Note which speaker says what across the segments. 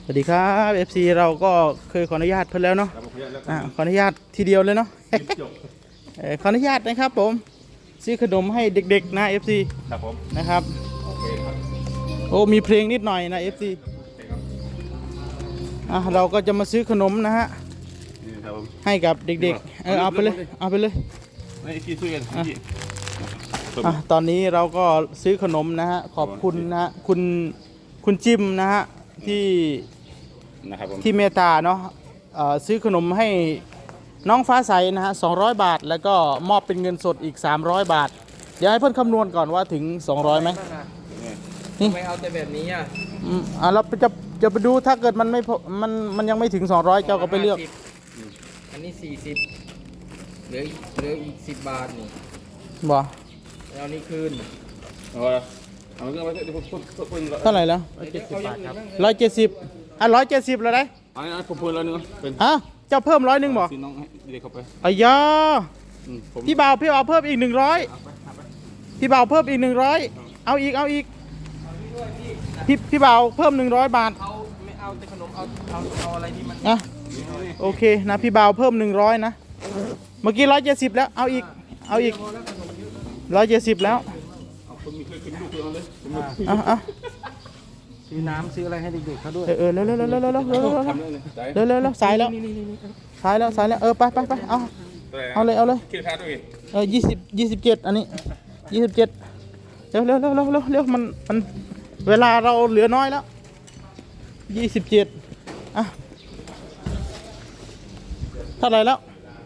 Speaker 1: สวัสดีครับ FC เราก็เคยขออนุญาตเพิ่นแล้วเนาะขออนุญาตทีเดียวเลยเนาะ ขออนุญาตนะครับผมซื้อขนมให้เด็กๆนะ FC
Speaker 2: ครับผม
Speaker 1: นะครับ
Speaker 2: โอเคครับ
Speaker 1: โอ้มีเพลงนิดหน่อยนะ FC เราก็จะมาซื้อขนมนะฮะ
Speaker 2: นี่ครับผม
Speaker 1: ให้กับเด็กๆเอาไปเลยเอาไปเลย
Speaker 2: นี่ที่ช่วยกัน
Speaker 1: ตอนนี้เราก็ซื้อขนมนะฮะขอบคุณนะฮะคุณจิมนะฮะที่เมตตาเนาะซื้อขนมให้น้องฟ้าใสนะฮะ200 บาทแล้วก็มอบเป็นเงินสดอีก300 บาทเดี๋ยวให้เพื่อนคำนวณก่อนว่าถึง200ไหม
Speaker 3: นี่ไม่เอาแต่แบบนี้อ่ะ
Speaker 1: เราจะไปดูถ้าเกิดมันไม่มันยังไม่ถึง200เจ้าก็ไปเลือก
Speaker 3: อันนี้40เหลืออีก10 บาทนี่
Speaker 1: บ่
Speaker 3: เอานี่คืน
Speaker 2: เอาเงินไปเดี๋ยวผม
Speaker 1: เท่าไหร่แล้ว170 บาทครับ170170แล้วได้
Speaker 2: อันนี้ผมพูดแล้วนึงเป็น
Speaker 1: เจ้าเพิ่ม100บ่
Speaker 2: ซื้อน้องให้เด็กเข้าไป
Speaker 1: อ้ยาพี่บ่าวเพิ่มอีก100พี่บ่าวเพิ่มอีก100เอาอีกพี่บ่าวเพิ่ม100 บาท
Speaker 3: ไม่เอาแต่ขนมเอาอะไรที่มัน
Speaker 1: โอเคนะพี่บ่าวเพิ่ม100นะเมื่อกี้170แล้วเอาอีก170แล้ว
Speaker 3: ซื้อน้ำซื้ออะไรให้เด็กๆเขาด้วย
Speaker 1: เร็วสายแล้วไปเอาเลย
Speaker 2: คิดค่าด้วย
Speaker 1: 27อันนี้27เร็วมันเวลาเราเหลือน้อยแล้ว27เท่าไหร่แล้ว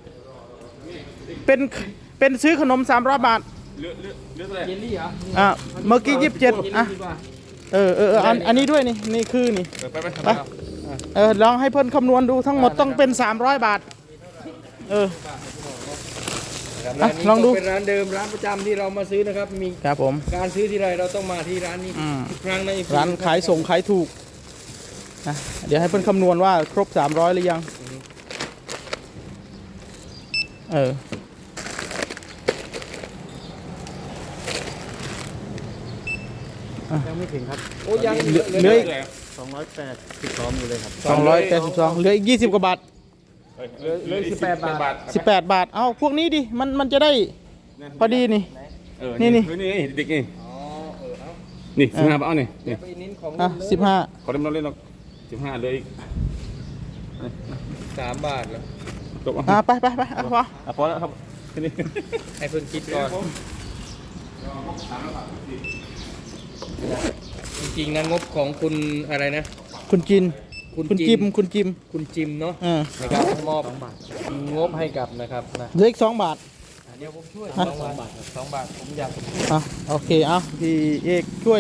Speaker 1: เป็นซื้อขนม300 บาท
Speaker 2: เลือกอะไร
Speaker 3: เยลลี่เหรอ
Speaker 1: เมื่อกี้27อันนี้ด้วยนี่คือนี่ไปลองให้เพิ่นคำนวณดูทั้งหมดต้องเป็น300 บาทลองดู
Speaker 3: เป็นร้านเดิมร้านประจำที่เรามาซื้อนะครับมี
Speaker 1: ครับผม
Speaker 3: การซื้อที่ไรเราต้องมาที่ร้านนี้ทุกครั้งใน
Speaker 1: ร้านขายส่งขายถูกนะเดี๋ยวให้เพิ่นคำนวณว่าครบ300หรือยัง
Speaker 3: ยังไม่ถึงครับโอ้ยัง
Speaker 1: เหลือ
Speaker 3: 282อยู่เลยครับ
Speaker 1: 282เหลืออีก20 กว่าบาท
Speaker 3: เหลือ18 บาท
Speaker 1: 18 บาทเอาพวกนี้ดิมันจะได้พอดีนี่
Speaker 2: นี่เด็กนี่นี่15 บาทเอานี่
Speaker 1: 15
Speaker 2: ขอเล่นเราเล่นเรา15เลยอีก
Speaker 3: 3 บาทแล้ว
Speaker 2: จบ
Speaker 1: ไป
Speaker 2: พอแล้วครับ
Speaker 3: ให้เพิ่นคิดก่อนจริงๆนะงบของคุณอะไรนะ
Speaker 1: คุณจิม
Speaker 3: เนาะนะครับมอบงบให้กับนะครับนะ
Speaker 1: เหลืออีก2 บาท
Speaker 3: เดี๋ยวผมช่วย2 บาท2 บาทผมอยาก
Speaker 1: โอเคพี่เอกช่วย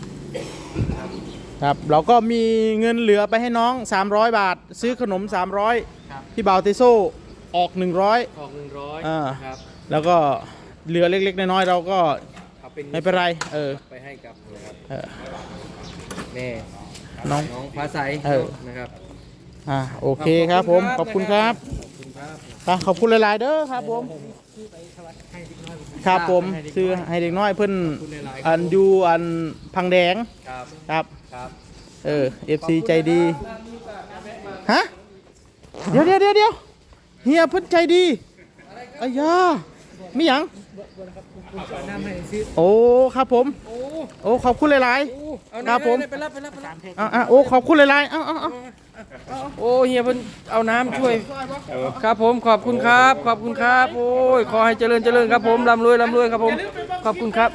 Speaker 1: ครับเราก็มีเงินเหลือไปให้น้อง300 บาทซื้อขนม300พี่บ่าวเตโซ่ออก100
Speaker 3: ครับ
Speaker 1: แล้วก็เหลือเล็กๆน้อยๆเราก็ไม่เป็นไร
Speaker 3: ไปให้กับนะครับแม่
Speaker 1: น้อง
Speaker 3: ฟ้าใสนะครับ
Speaker 1: โอเคครับผมขอบคุณครับขอบคุณหลายๆเด้อครับผมครับผมซื้อให้เด็กน้อยเพิ่นอยู่พังแดงครับFC ใจดีเดี๋ยวเฮียเพิ่นใจดีอ้ยามีหยังโอ้ครับผมโอ้ขอบคุณหลายๆครับผมโอ้ขอบคุณหลายๆ
Speaker 3: โอ้เฮียเพิ่นเอาน้ำช่วยครับผมขอบคุณครับโอ้ยขอให้เจริญครับผมร่ำรวยครับผมขอบคุณครับ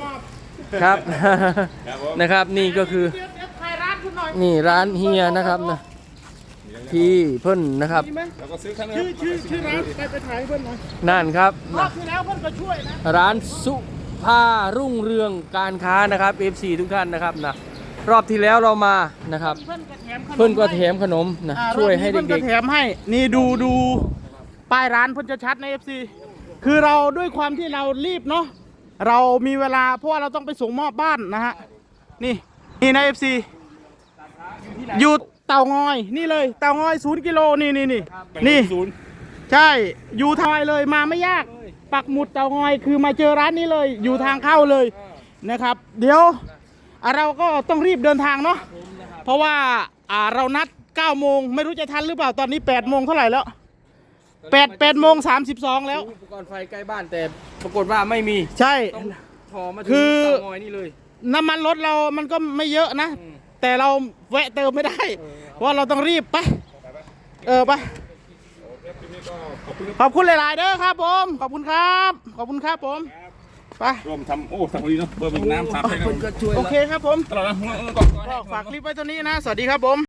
Speaker 3: นะครับนี่ก็คือนี่ร้านเฮียนะครับนะที่เพิ่นนะครับ
Speaker 1: ชื่อร้านไปถ่ายเพิ่นหน่อย
Speaker 3: นั่นครับ
Speaker 1: คือแล้วเพิ่นก็ช่วยนะ
Speaker 3: ร้านสุภารุ่งเรืองการค้านะครับ FC ทุกท่านนะครับนะรอบที่แล้วเรามานะครับเพิ่นก็แถมขนมนะช่วยให้เด็กๆ
Speaker 1: เพิ่นก็แถมให้นี่ดูป้ายร้านเพิ่นจะชัดใน FC คือเราด้วยความที่เรารีบเนาะเรามีเวลาเพราะว่าเราต้องไปส่งมอบบ้านนะฮะนี่ใน FC อยู่เตางอยนี่เลยเตางอย0 กิโลนี่ใช่อยู่ทางเลยมาไม่ยากปักหมุดเตางอยคือมาเจอร้านนี้เลยอยู่ทางเข้าเลยนะครับเดี๋ยวเราก็ต้องรีบเดินทางเนาะเพราะว่าเรานัด9 โมงไม่รู้จะทันหรือเปล่าตอนนี้8 โมงเท่าไหร่แล้ว8 โมง 32แล้ว
Speaker 3: อุปกรณ์ไฟใกล้บ้านแต่ปรากฏว่าไม่มี
Speaker 1: ใช่
Speaker 3: ต้องถอมาถึง
Speaker 1: คือ
Speaker 3: เตางอยนี่เลย
Speaker 1: น้ำมันรถเรามันก็ไม่เยอะนะ
Speaker 3: อืม
Speaker 1: แต่เราแวะเติมไม่ได้ เพราะว่าเราต้องรีบไปไปขอบคุณหลายๆเด้อครับผมขอบคุณครับขอบคุณครับผมไป
Speaker 2: ร่วมทำโอ้ทำพอดีเนาะเบอร์เป็นน้ำสามให้
Speaker 3: คนก็ช่วย
Speaker 1: โอเคครับผม
Speaker 2: ตลอดนะก่อน
Speaker 1: ก็ฝากคลิปไว้ตัวนี้นะ สวัสดีครับผม